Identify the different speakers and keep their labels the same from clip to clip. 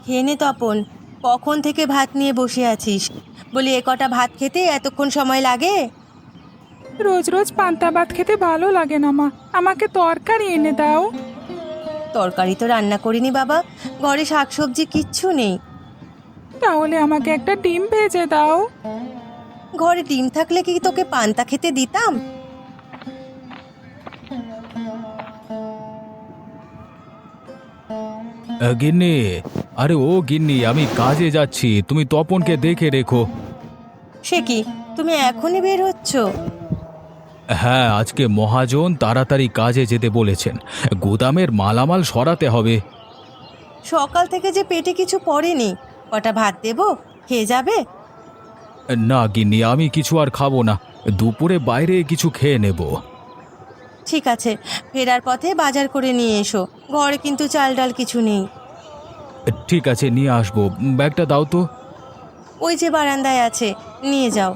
Speaker 1: খেয়ে নে তপন। কখন থেকে ভাত নিয়ে বসে আছিস? বলি এ কটা ভাত খেতে এতক্ষণ সময় লাগে?
Speaker 2: রোজ রোজ পান্তা ভাত খেতে ভালো লাগে না মা, আমাকে তরকারি এনে দাও।
Speaker 1: তরকারি তো রান্না করিনি বাবা, ঘরে শাকসবজি কিচ্ছু নেই।
Speaker 2: তাহলে আমাকে একটা ডিম ভেজে দাও।
Speaker 1: ঘরে ডিম থাকলে কি তোকে পান্তা খেতে দিতাম?
Speaker 3: গিন্নি, আরে ও গিন্নি, আমি কাজে যাচ্ছি, তুমি তপনকে দেখে রেখো।
Speaker 1: সে কি, তুমি এখনই বের হচ্ছ?
Speaker 3: হ্যাঁ, আজকে মহাজন তাড়াতাড়ি কাজে যেতে বলেছেন, গুদামের মালামাল সরাতে হবে।
Speaker 1: সকাল থেকে যে পেটে কিছু পড়েনি, কটা ভাত দেবো, খেয়ে যাবে?
Speaker 3: না গিন্নি, আমি কিছু আর খাবো না, দুপুরে বাইরে কিছু খেয়ে নেব।
Speaker 1: ঠিক আছে, ফেরার পথে বাজার করে নিয়ে এসো, ঘরে কিন্তু চাল ডাল কিছু নেই।
Speaker 3: ঠিক আছে, নিয়ে আসবো। ব্যাগটা দাও তো।
Speaker 1: ওই যে বারান্দায় আছে, নিয়ে যাও।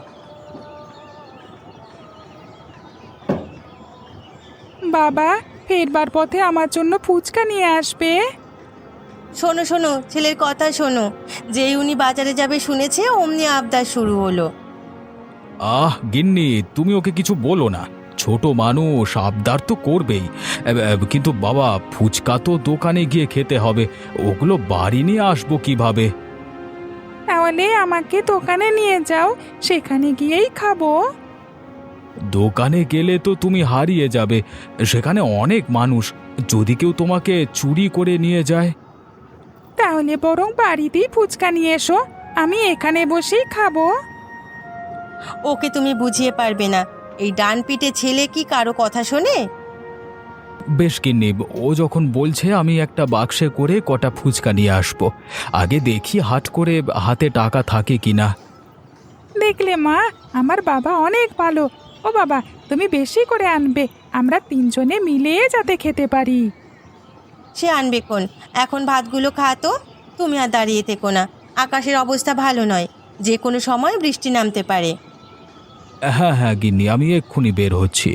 Speaker 2: বাবা, ফেরবার পথে আমার জন্য ফুচকা নিয়ে আসবে।
Speaker 1: শোনো শোনো, ছেলের কথা শোনো। যেই উনি বাজারে যাবে শুনেছে, অমনি আবদার শুরু হলো।
Speaker 3: গিন্নি, তুমি ওকে কিছু বলো না, ছোট মানুষ, আবদার তো করবেই। কিন্তু বাবা, ফুচকা তো দোকানে গিয়ে খেতে হবে, ওগুলো বাড়ি নিয়ে আসবো কিভাবে?
Speaker 2: তাহলে আমাকে দোকানে নিয়ে যাও, সেখানে গিয়েই খাবো।
Speaker 3: দোকানে গেলে তো তুমি হারিয়ে যাবে, সেখানে অনেক মানুষ, যদি কেউ তোমাকে চুরি করে নিয়ে যায়।
Speaker 2: তাহলে বরং বাড়িতেই ফুচকা নিয়ে এসো, আমি এখানে বসেই খাবো।
Speaker 1: ওকে তুমি বুঝিয়ে পারবে না, এই ডান পিঠে ছেলে কি কারো কথা শোনে?
Speaker 3: বেশ গিন্নি, ও যখন বলছে, আমি একটা বাক্সে করে কটা ফুচকা নিয়ে আসবো। আগে দেখি হাট করে হাতে টাকা থাকে কিনা।
Speaker 2: দেখলে মা, আমার বাবা অনেক ভালো। ও বাবা, তুমি বেশি করে আনবে, আমরা তিনজনে মিলে যাতে খেতে পারি।
Speaker 1: সে আনবে কোন, এখন ভাতগুলো খা তো। তুমি আর দাঁড়িয়ে থেকো না, আকাশের অবস্থা ভালো নয়, যে কোনো সময় বৃষ্টি নামতে পারে।
Speaker 3: হ্যাঁ হ্যাঁ গিন্নি, আমি এক্ষুনি বের হচ্ছি।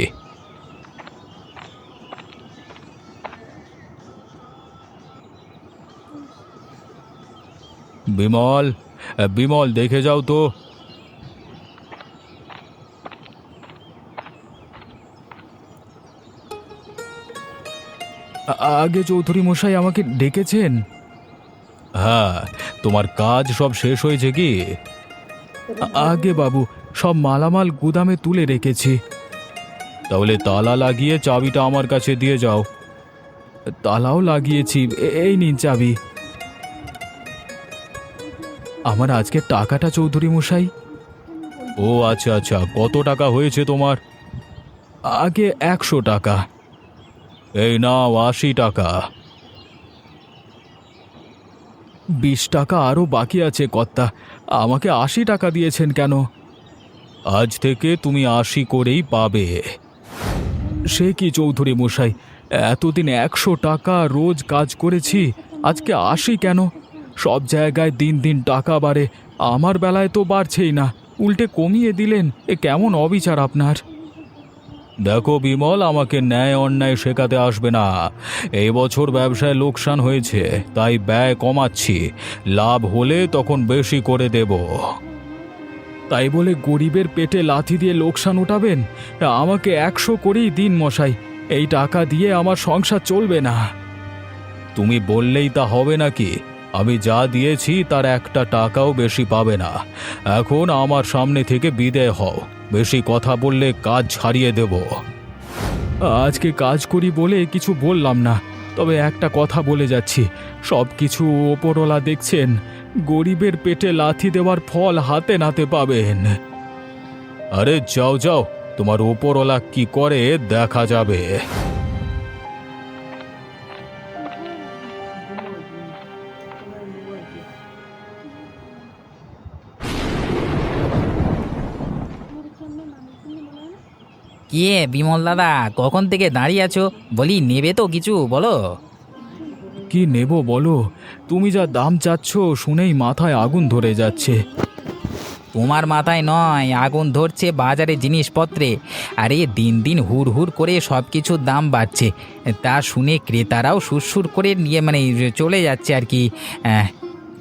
Speaker 3: বিমল, বিমল, দেখে যাও তো। আগে চৌধুরী মশাই আমাকে ডেকেছেন? হ্যাঁ, তোমার কাজ সব শেষ হয়েছে কি? আগে বাবু, সব মালামাল গুদামে তুলে রেখেছি। তাহলে তালা লাগিয়ে চাবিটা আমার কাছে দিয়ে যাও। তালাও লাগিয়েছি, এই নিন চাবি। আমার আজকের টাকাটা চৌধুরী মশাই। ও আচ্ছা আচ্ছা, কত টাকা হয়েছে তোমার? আগে 100 টাকা। এই নাও 80 টাকা। 20 টাকা আরও বাকি আছে কর্তা, আমাকে 80 টাকা দিয়েছেন কেন? আজ থেকে তুমি 80 করেই পাবে। সে কি চৌধুরী মশাই, এতদিন 100 টাকা রোজ কাজ করেছি, আজকে 80 কেন? সব জায়গায় দিন দিন টাকা বাড়ে, আমার বেলায় তো বাড়ছেই না, উল্টে কমিয়ে দিলেন, এ কেমন অবিচার আপনার? দেখো বিমল, আমাকে ন্যায় অন্যায় শেখাতে আসবে না। এই বছর ব্যবসায় লোকসান হয়েছে, তাই ব্যয় কমাচ্ছি, লাভ হলে তখন বেশি করে দেব। তাই বলে গরিবের পেটে লাথি দিয়ে লোকসান উঠাবেন? আমাকে 100 করেই দিন মশাই, এই টাকা দিয়ে আমার সংসার চলবে না। তুমি বললেই তা হবে নাকি? আমি যা দিয়েছি তার 1 টাকাও বেশি পাবে না। এখন আমার সামনে থেকে বিদায় হও, বেশি কথা বললে কাজ ছাড়িয়ে দেব। আজকে কাজ করি বলে কিছু বললাম না, তবে একটা কথা বলে যাচ্ছি, সব কিছু ওপরওয়ালা দেখছেন, গরিবের পেটে লাথি দেওয়ার ফল হাতে নাতে পাবেন। আরে যাও যাও, তোমার ওপরওয়ালা কি করে দেখা যাবে।
Speaker 4: কে বিমল দাদা, কখন থেকে দাঁড়িয়ে আছো? বলি নেবে তো কিছু, বলো।
Speaker 3: কি নেব বলো? তুমি যা দাম চাচ্ছ শুনেই মাথায় আগুন ধরে যাচ্ছে।
Speaker 4: তোমার মাথায় নয়, আগুন ধরছে বাজারে জিনিসপত্রে। আরে দিন দিন হুড় হুড় করে সব কিছুর দাম বাড়ছে, তা শুনে ক্রেতারাও সুরসুর করে নিয়ে চলে যাচ্ছে আর কি।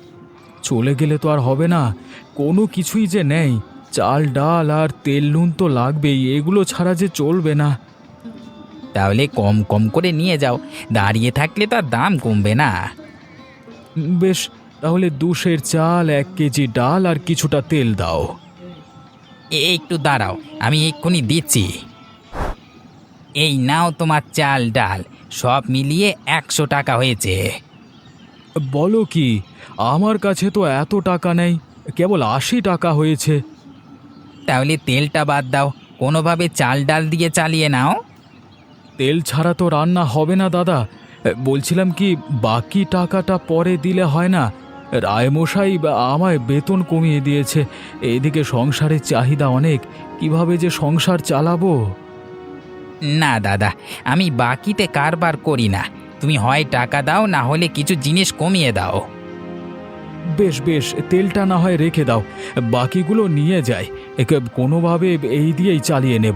Speaker 3: চলে গেলে তো আর হবে না, কোনো কিছুই যে নেই। চাল ডাল আর তেল নুন তো লাগবেই, এগুলো ছাড়া যে চলবে না।
Speaker 4: তাহলে কম কম করে নিয়ে যাও, দাঁড়িয়ে থাকলে তো আর দাম কমবে না।
Speaker 3: বেশ, তাহলে 2 সের চাল, 1 কেজি ডাল আর কিছুটা তেল দাও।
Speaker 4: একটু দাঁড়াও, আমি এক্ষুনি দিচ্ছি। এই নাও তোমার চাল ডাল, সব মিলিয়ে 100 টাকা হয়েছে।
Speaker 3: বলো কি, আমার কাছে তো এত টাকা নেই, কেবল 80 টাকা হয়েছে।
Speaker 4: তাহলে তেলটা বাদ দাও, কোনোভাবে চাল ডাল দিয়ে চালিয়ে নাও।
Speaker 3: তেল ছাড়া তো রান্না হবে না দাদা। বলছিলাম কি, বাকি টাকাটা পরে দিলে হয় না? রায়মশাই আমায় বেতন কমিয়ে দিয়েছে, এদিকে সংসারের চাহিদা অনেক, কিভাবে যে সংসার চালাবো।
Speaker 4: না দাদা, আমি বাকিতে কারবার করি না। তুমি হয় টাকা দাও, না হলে কিছু জিনিস কমিয়ে দাও।
Speaker 3: বেশ বেশ, তেলটা না হয় রেখে দাও, বাকিগুলো নিয়ে যাই, একে কোনোভাবে এই দিয়েই চালিয়ে নেব।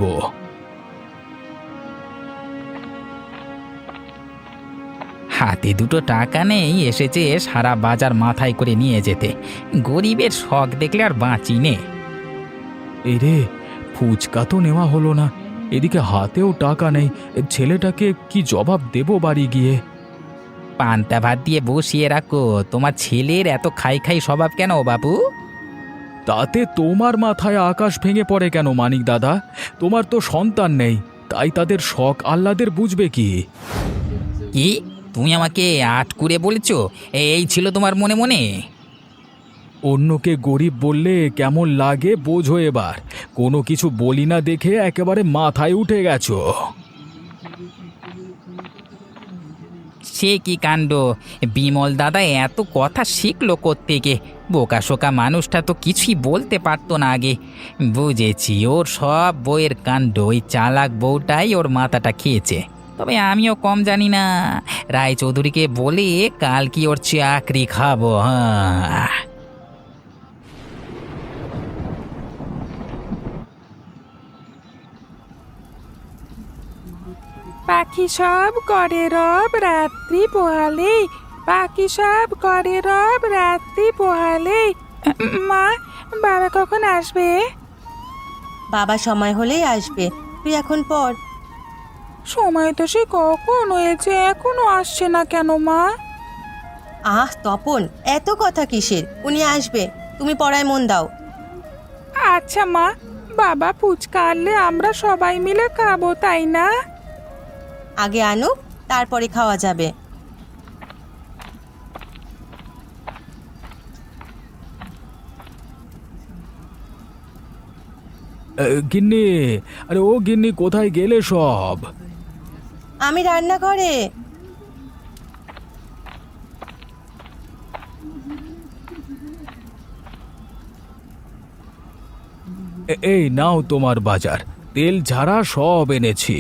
Speaker 4: হাতে দুটো টাকা নেই, এসেছে সারা বাজার মাথায় করে নিয়ে যেতে। গরিবের শখ দেখলে আর বাঁচি নে।
Speaker 3: এই রে, ফুচকা তো নেওয়া হলো না, এদিকে হাতেও টাকা নেই, ছেলেটাকে কি জবাব দেব বাড়ি গিয়ে?
Speaker 4: পান্তা ভাত দিয়ে বসিয়ে রাখো, তোমার ছেলের এত খাই খাই স্বভাব কেন বাবু?
Speaker 3: তাতে তোমার মাথায় আকাশ ভেঙে পড়ে কেন মানিক দাদা? তোমার তো সন্তান নেই, তাই তাদের শখ আহ্লাদের বুঝবে কি?
Speaker 4: কি তুমি আমাকে আটকুরে বলেছ? এই ছিল তোমার মনে মনে?
Speaker 3: অন্যকে গরিব বললে কেমন লাগে বোঝো এবার। কোনো কিছু বলি না দেখে একেবারে মাথায় উঠে গেছো।
Speaker 4: সে কি কাণ্ড! বিমল দাদা এত কথা শিখলো কোত্থেকে? বোকা শোকা মানুষটা তো কিছুই বলতে পারতো না আগে। বুঝেছি, ওর সব বইয়ের কাণ্ড, ওই চালাক বউটাই ওর মাথাটা খেয়েছে। তবে আমিও কম জানি না, রায়চৌধুরীকে বলে কাল কি ওর চাকরি খাবো। হ্যাঁ,
Speaker 2: পাখি সব করে রব রাত্রি পোহালে, পাখি সব করে রব রাত্রি পোহালে। মা, বাবা কখন আসবে?
Speaker 1: বাবা সময় হলেই আসবে, তুই এখন পড়।
Speaker 2: সময় তো সে কখন হয়েছে, এখনো আসছে না কেন মা?
Speaker 1: আহ তপন, এত কথা কিসের? উনি আসবে, তুমি পড়ায় মন দাও।
Speaker 2: আচ্ছা মা, বাবা ফুচকা আনলে আমরা সবাই মিলে খাবো, তাই না?
Speaker 1: আগে আনুক, তারপরে খাওয়া যাবে।
Speaker 3: গিন্নি, আরে ও গিন্নি, কোথায় গেলে সব?
Speaker 1: আমি রান্নাঘরে।
Speaker 3: এই নাও তোমার বাজার, তেল ঝাড়া সব এনেছি।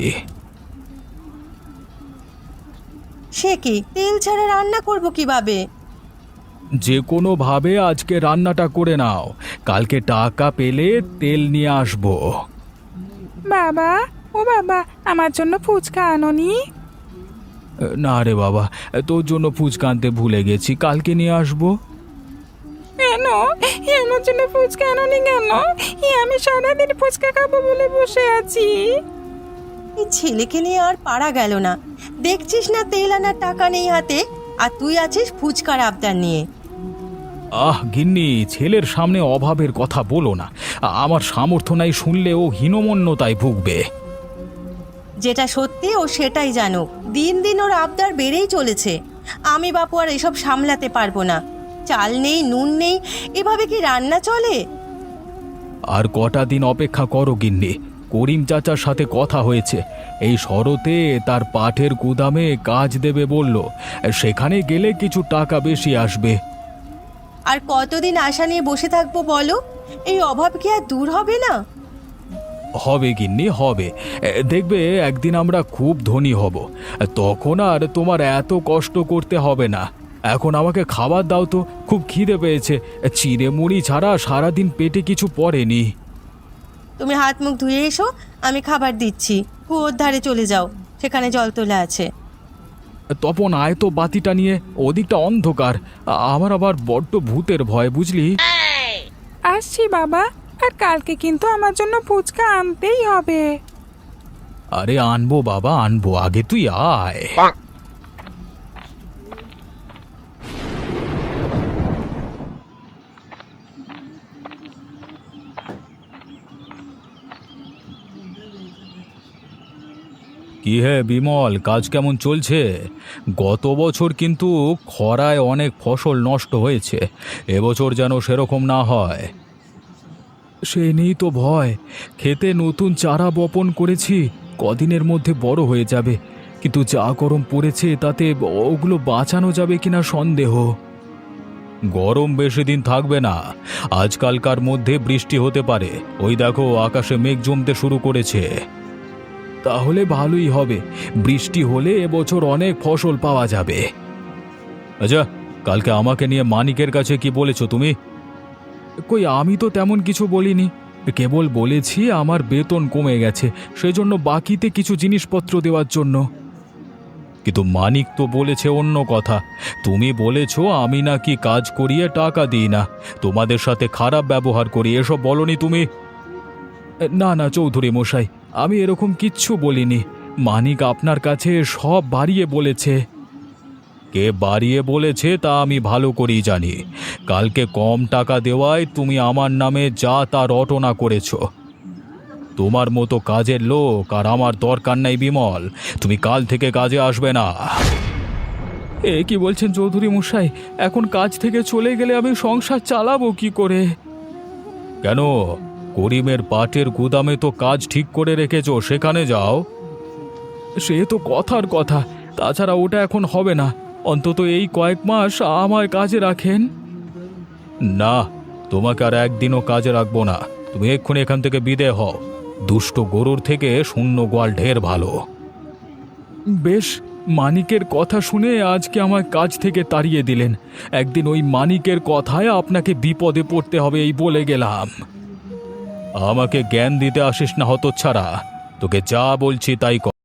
Speaker 1: সে কি, তেল ছাড়া রান্না করব কিভাবে?
Speaker 3: যে কোনো ভাবে আজকে রান্নাটা করে নাও, কালকে টাকা পেলে তেল নিয়ে আসবো।
Speaker 2: বাবা, ও বাবা, আমার জন্য ফুচকা আনোনি?
Speaker 3: না রে বাবা, তোর জন্য ফুচকা আনতে ভুলে গেছি, কালকে নিয়ে আসবো।
Speaker 2: কেন আমার জন্য ফুচকা আনোনি কেন? আমি সারাদিন ফুচকা খাবো বলে বসে আছি।
Speaker 1: এই ছেলেকে নিয়ে আর পারা গেল না। দেখছিস না তেল আনার টাকা নেই হাতে, আর তুই আছিস ফুচকার আবদার নিয়ে।
Speaker 3: আহ গিন্নি, ছেলের সামনে অভাবের কথা বলো না, আমার সামর্থ্য নাই শুনলে ও হীনমন্যতায় ভুগবে।
Speaker 1: যেটা সত্যি ও সেটাই জানুক। দিন দিন ওর আবদার বেড়েই চলেছে। আমি বাপু আর এসব সামলাতে পারবো না। চাল নেই, নুন নেই, এভাবে কি রান্না চলে?
Speaker 3: আর কটা দিন অপেক্ষা করো গিন্নি, করিম চাচার সাথে কথা হয়েছে, এই শরতে তার পাঠের গুদামে কাজ দেবে বলল, সেখানে গেলে কিছু টাকা বেশি আসবে।
Speaker 1: আর কতদিন আশা নিয়ে বসে থাকবো বলো? এই অভাব কি আর দূর হবে না?
Speaker 3: হবে গিন্নি, হবে। দেখবে একদিন আমরা খুব ধনী হব, তখন আর তোমার এত কষ্ট করতে হবে না। এখন আমাকে খাবার দাও তো, খুব খিদে পেয়েছে, চিড়ে মুড়ি ছাড়া সারাদিন পেটে কিছু পড়েনি।
Speaker 1: তুমি হাত মুখ ধুয়ে এসো, আমি খাবার দিচ্ছি। কুয়োর ধারে চলে যাও, সেখানে জল তোলা আছে।
Speaker 3: তপন আয় তো বাতিটা নিয়ে, ওদিকটা অন্ধকার। আমার আবার বড্ড ভূতের ভয়, বুঝলি?
Speaker 2: আসছি বাবা, আর কালকে কিন্তু আমার জন্য ফুচকা আনতেই হবে।
Speaker 3: আরে আনবো বাবা আনবো, আগে তুই আয়। কি হে বিমল, কাজ কেমন চলছে? গত বছর কিন্তু খরায় অনেক ফসল নষ্ট হয়েছে, এবছর যেন সেরকম না হয়। সে নেই তো ভয়, খেতে নতুন চারা বপন করেছি, কদিনের মধ্যে বড় হয়ে যাবে, কিন্তু যা গরম পড়েছে তাতে ওগুলো বাঁচানো যাবে কিনা সন্দেহ। গরম বেশি দিন থাকবে না, আজকালকার মধ্যে বৃষ্টি হতে পারে। ওই দেখো আকাশে মেঘ জমতে শুরু করেছে। তাহলে ভালোই হবে, বৃষ্টি হলে এবছর অনেক ফসল পাওয়া যাবে। আচ্ছা, কালকে আমাকে নিয়ে মানিকের কাছে কি বলেছো তুমি? কই, আমি তো তেমন কিছু বলিনি, কেবল বলেছি আমার বেতন কমে গেছে, সেজন্য বাকিতে কিছু জিনিসপত্র দেওয়ার জন্য। কিন্তু মানিক তো বলেছে অন্য কথা। তুমি বলেছো আমি নাকি কাজ করিয়ে টাকা দিই না, তোমাদের সাথে খারাপ ব্যবহার করি, এসব বলনি তুমি? না না চৌধুরী মশাই, আমি এরকম কিচ্ছু বলিনি। মানিক আপনার কাছে সব বাড়িয়ে বলেছে। কে বাড়িয়ে বলেছে তা আমি ভালো করেই জানি। কালকে কম টাকা দেওয়ায় তুমি আমার নামে যা তা রটনা করেছ। তোমার মতো কাজের লোক আর আমার দরকার নাই বিমল, তুমি কাল থেকে কাজে আসবে না। এ কি বলছেন চৌধুরী মশাই? এখন কাজ থেকে চলে গেলে আমি সংসার চালাবো কি করে? কেন, করিমের পাটের গুদামে তো কাজ ঠিক করে রেখেছো, সেখানে যাও। সে তো কথার কথা, তাছাড়া ওটা এখন হবে না, অন্তত এই কয়েক মাস আমায় কাজে রাখেন। না, তোমাকে আর একদিনও কাজে রাখবো না, তুমি এক্ষুনি এখান থেকে বিদে হও। দুষ্ট গরুর থেকে শূন্য গোয়াল ঢের ভালো। বেশ, মানিকের কথা শুনে আজকে আমার কাজ থেকে তাড়িয়ে দিলেন, একদিন ওই মানিকের কথায় আপনাকে বিপদে পড়তে হবে এই বলে গেলাম। আমাকে জ্ঞান দিতে আসিস না হতচ্ছাড়া, তোকে যা বলছি তাই কর।